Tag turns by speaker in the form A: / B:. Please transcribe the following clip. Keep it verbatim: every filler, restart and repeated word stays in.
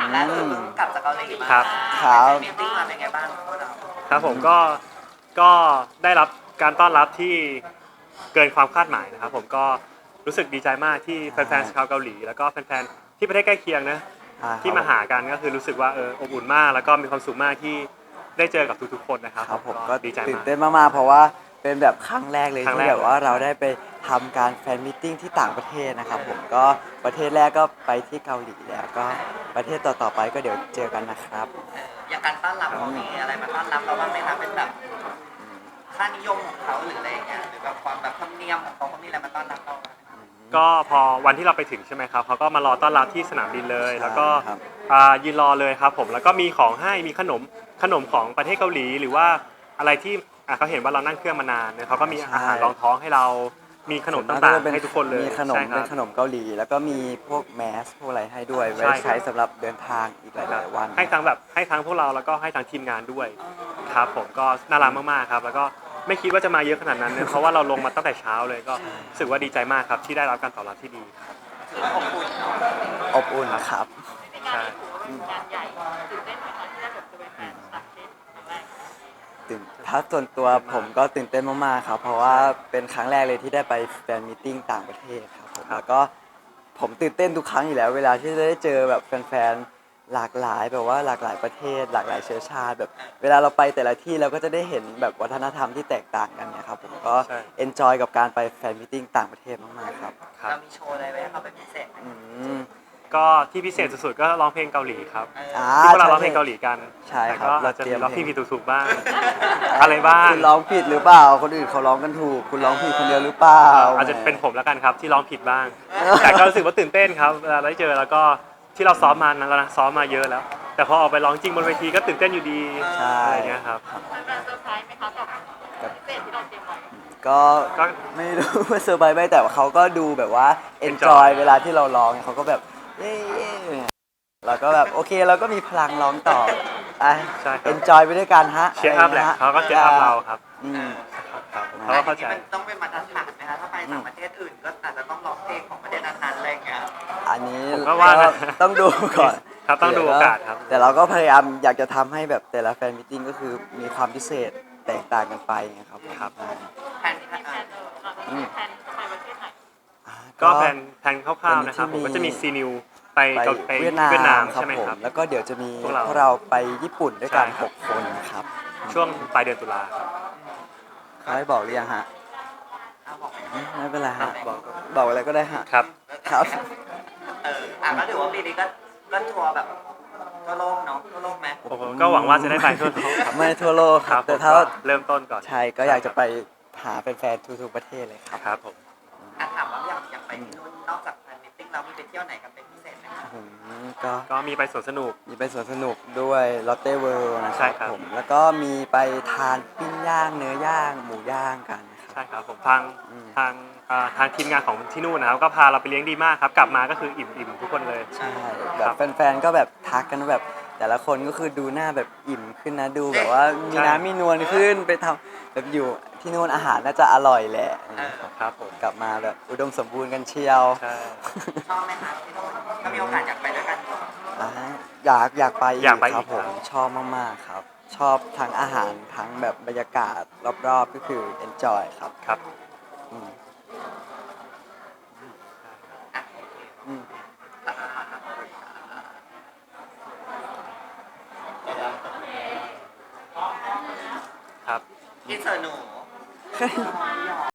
A: ล่าสุดเพิ่งกลับจากเกาหลีมา
B: ครับ
C: ครับ
A: มีตติ้งมาเป็นไงบ้างพวกเรา
B: ครับผมก็ก็ได้รับการต้อนรับที่เกินความคาดหมายนะครับผมก็รู้สึกดีใจมากที่แฟนๆชาวเกาหลีแล้วก็แฟนๆที่ประเทศใกล้เคียงนะที่มาหากันก็คือรู้สึกว่าเอออบอุ่นมากแล้วก็มีความสุขมากที่ได้เจอกับทุกๆคนนะครับ
C: ครับผมก็
B: ดีใจ
C: ตื่น
B: มาก
C: เต้นมากๆเพราะว่าเป็นแบบครั้งแรกเลย
B: ครั้ง
C: ที่
B: แรก
C: แบบว่าเราได้ไปทำการแฟนมิทติ้งที่ต่างประเทศนะครับผมก็ประเทศแรกก็ไปที่เกาหลีแล้วก็ประเทศต่อๆไปก็เดี๋ยวเจอกันนะครับ
A: อย่างการต้อนรับเขามีอะไรมาต้อนรับเราบ้างไหมคะเป็นแบบค่านิยมของเขาหรืออะไรอย่างเงี้ยหรือแบบความแบบธรรมเนียมของเขาเขามีอะไรมาต้อนรับเราไหม
B: ก็พอวันที่เราไปถึงใช่ไหมครับเขาก็มารอต้อนรับที่สนามบินเลย
C: ใช่
B: แล้วก็
C: ครับ
B: อ่ายืนรอเลยครับผมแล้วก็มีของให้มีขนมขนมของประเทศเกาหลีหรือว่าอะไรที่อ่ะเขาเห็นว่าเรานั่งเครื่องมานานเนี่ยเขาก็มีอาหารรองท้องให้เรามีขนมต่างๆให้ทุกคนเลย
C: มีขนม
B: ใช่ค
C: เป็
B: รั
C: น
B: บ
C: ขนมเกาหลี แล้วก็มีพวกแมสพวกอะไรให้ด้วย
B: ใช่
C: ไว้
B: ครับ
C: ใช้สำหรับเดินทางอีกหลายๆวัน
B: ให้ทั้งแบบให้ทั้งพวกเราแล้วก็ให้ทั้งทีมงานด้วยครับผมก็น่ารักมากๆครับแล้วก็ไม่คิดว่าจะมาเยอะขนาดนั้นเนี่ยเพราะว่าเราลงมาตั้งแต่เช้าเลยก็รู้สึกว่าดีใจมากครับที่ได้รับการตอบรับที่ดีครับ
A: คืออบอุ่นเนาะ
C: อบอุ่นครับ
B: ใช่
D: งานใหญ่ตื่นเต้นไหมคะที่ได้แบบจะไปแฟนต่างประเทศครั้งแรก
C: ตื่นถ้าส่วนตัวผมก็ตื่นเต้นมากๆครับ เพราะว่าเป็นครั้งแรกเลยที่ได้ไปแฟนมิทติ้งต่างประเทศครับผมแล้วก็ผมตื่นเต้นทุกครั้งอยู่แล้ว เวลาที่ได้เจอแบบแฟนๆหลากหลายแบบว่าหลากหลายประเทศ หลากหลายเชื้อชาติแบบเวลาเราไปแต่ละที่เราก็จะได้เห็นแบบวัฒนธรรมที่แตกต่างกันเนี่ยครับผมก็เอนจอยกับการไปแฟนมิทติ้งต่างประเทศมากๆครับ
B: ครับ
A: เรามีโชว์อะไรไว้ให้เขาเป็นพิเศษไหม
C: อืม
B: ก็ที่พิเศษสุดๆก็ร้องเพลงเกาหลีครับ
C: อ่า
B: ที่พวกเรา
C: ใช่
B: ร้องเพลงเกาหลีกัน
C: ใช่ครับ
B: แต่ก็
C: เรา
B: อาจจะ
C: เตรี
B: มี
C: ยม
B: ร้อง
C: เพลง
B: ผิดๆถูกๆบ้าง อะไรบ้าง
C: คุณร้องผิดหรือเปล่า คนอื่นเขาร้องกันถูก คุณร้องผิดคนเดียวหรือเปล่า
B: อาจจะเป็นผมแล้วกันครับที่ร้องผิดบ้าง แต่ก็รู้สึกว่าตื่นเต้นครับเวลาได้เจอแล้วก็ที่เราซ้อมมานั้นแล้วนะซ้อมมาเยอะแล้ว แต่พอออกไปร้องจริงบนเวทีก็ตื่นเต้นอยู่ดี
C: ใช่
B: อะไรเงี้ยครับ
D: แฟนๆเซอร์ไพรส์ไหมคะกับพิเศษที่เราเตรียมไว้
C: ก็
B: ก็
C: ไม่รู้ว่าเซอร์ไพรส์ไหมแต่ว่าเขาก็ดูแบบว่า
B: Enjoy
C: enjoy เวลาที่เราร้องเขาก็แบบเย้เราก็แบบโอเคเราก็มีพลังร้องต่ออ่ะ
B: ใช่ครับ
C: enjoy ไปด้วยกันฮะ
B: เชียร์อัพแหละเขาก็เชียร์อัพเราครับ
C: อืม
B: ครับเขาก็เข้าใจ
A: อันนี้มันต้องเป็นมาตรฐานไหมคะถ้าไปต่างประเทศอื่นก็อาจจะต้องร้องเพลงของประเทศนั้นๆอะไรอย่างเงี้ย
C: อันนี้
B: ผมก็ว่านะ
C: ต้องดูก่อน
B: ครับต้องดูโอกาสครับ
C: แต่เราก็พยายามอยากจะทำให้แบบแต่ละแฟนมิทติ้งก็คือมีความพิเศษแตกต่างกันไปไงครับผม
B: ครับ
A: แผน
D: มีแฟนเออเออแฟนไปประเทศไหน
C: อ่า
B: ก็แผนแผนคร่าวๆนะครับ
C: เป็
B: ผม
C: นที่
B: ก็จะมี
C: มี
B: ซีนิวไป
C: ไป
B: เกาไป
C: เวียดนาม
B: เวียดนาม
C: ครับ
B: ใช่ไหม
C: ผม
B: ครับ
C: แล้วก็เดี๋ยวจะมี
B: พวกเรา
C: พวกเราไปญี่ปุ่นด้วยกัน
B: ใช่ค
C: ห
B: รับ
C: กคนครับ
B: ช่วงปลายเดือนตุลาครับ
C: เขาให้บอกหรือยังฮะ
A: เอาบอก
C: อืมไม่เป็นไรฮะ
B: บอก
C: บอกอะไรก็ได้ฮะ
B: ครับ
C: ครับ
A: เอออ่ะก็ถือว่าปีนี้ก็ก็ทัวร์แบบทั่วโลกเนาะทั่วโลกไหม
B: ผมก็หวังว่าจะได้ไปทั่วโลกครับ
C: ไม่ทั่วโลกค
B: ค
C: รั
B: รับ บ
C: แต่
B: ผม
C: ถ้า
B: ก็เริ่มต้นก่อน
C: ใช่ก็อยากจะไปหาแฟนๆทุกๆประเทศเลยครับ
B: ครับผม
A: อ่ะถามว่าอยากอยากไปที่นู่นนอกจากแฟนมิทติ้งเรามีไปเที่ยวไหนกันเป็นพิเศษไหมคะ
C: อืมก็
B: ก็มีไปสวนสนุก
C: มีไปสวนสนุกด้วยลอตเต้เวิลด์นะค
B: ใช่
C: รับ
B: ครับ
C: ผมแล้วก็มีไปทานปิ้งย่างเนื้อย่างหมูย่างกันนะครับ
B: ใช่ครับผมทาง
C: อืม
B: ทางอ่าทางทีมงานของที่นู่นนะครับก็พาเราไปเลี้ยงดีมากครับกลับมาก็คืออิ่มอิ่มทุกคนเลย
C: ใช่
B: ค
C: แบ
B: รั
C: บบ แฟนๆก็แบบทักกันว่าแบบแต่ละคนก็คือดูหน้าแบบอิ่มขึ้นนะดูแบบว่ามี
B: ใช่
C: น้ำมีนวลขึ้นไปทำแบบอยู่ที่นู่นอาหารน่าจะอร่อยแหละ
B: ครับผม
C: กลับมาแบบอุดมสมบูรณ์กันเชียว
B: ใช่
A: ชอบไหมคะที่นู่นถ้ามีโอกาสอยากไปด้วยกัน
C: อ่าอยากอยากไป
B: อยากไป
C: ครับ
B: อีก
C: ผม
B: ครับ
C: ชอบมากๆครับ ชอบทั้งอาหารทั้งแบบบรรยากาศรอบๆก็คือ enjoy ครับ
B: ครับ
C: อืมอืม
B: ครับ
A: ที่เซอร์หนู